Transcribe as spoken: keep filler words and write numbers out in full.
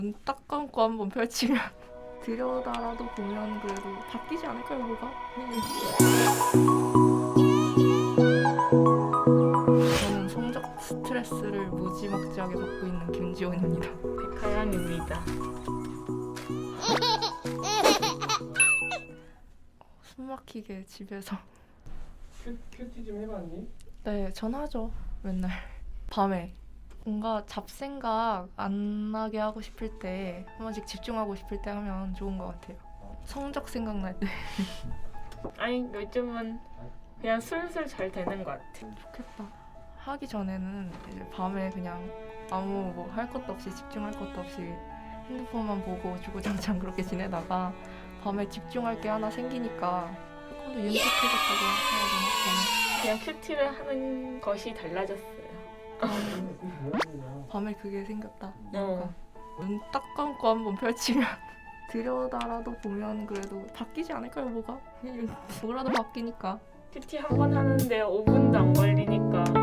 눈 딱 감고 한번 펼치면 들여다라도 보면 그래도 바뀌지 않을까요, 뭐가? 저는 성적 스트레스를 무지막지하게 받고 있는 김지원입니다. 백하양입니다. 숨 막히게 집에서. 큐, 큐티 좀 해봤니? 네, 전하죠. 맨날 밤에 뭔가 잡생각 안 나게 하고 싶을 때, 한 번씩 집중하고 싶을 때 하면 좋은 것 같아요. 성적 생각날 때. 아니 요즘은 그냥 술술 잘 되는 것 같아. 좋겠다. 하기 전에는 이제 밤에 그냥 아무 뭐 할 것도 없이, 집중할 것도 없이 핸드폰만 보고 주구장창 그렇게 지내다가 밤에 집중할 게 하나 생기니까 조금 더 윤택해졌다고 해야 되나? 그냥 큐티를 하는 것이 달라졌어요. 밤에, 밤에 그게 생겼다. 어. 눈 딱 감고 한번 펼치면 들여다라도 보면 그래도 바뀌지 않을까요, 뭐가? 뭐라도 바뀌니까. 큐티 한 번 하는데 오 분도 안 걸리니까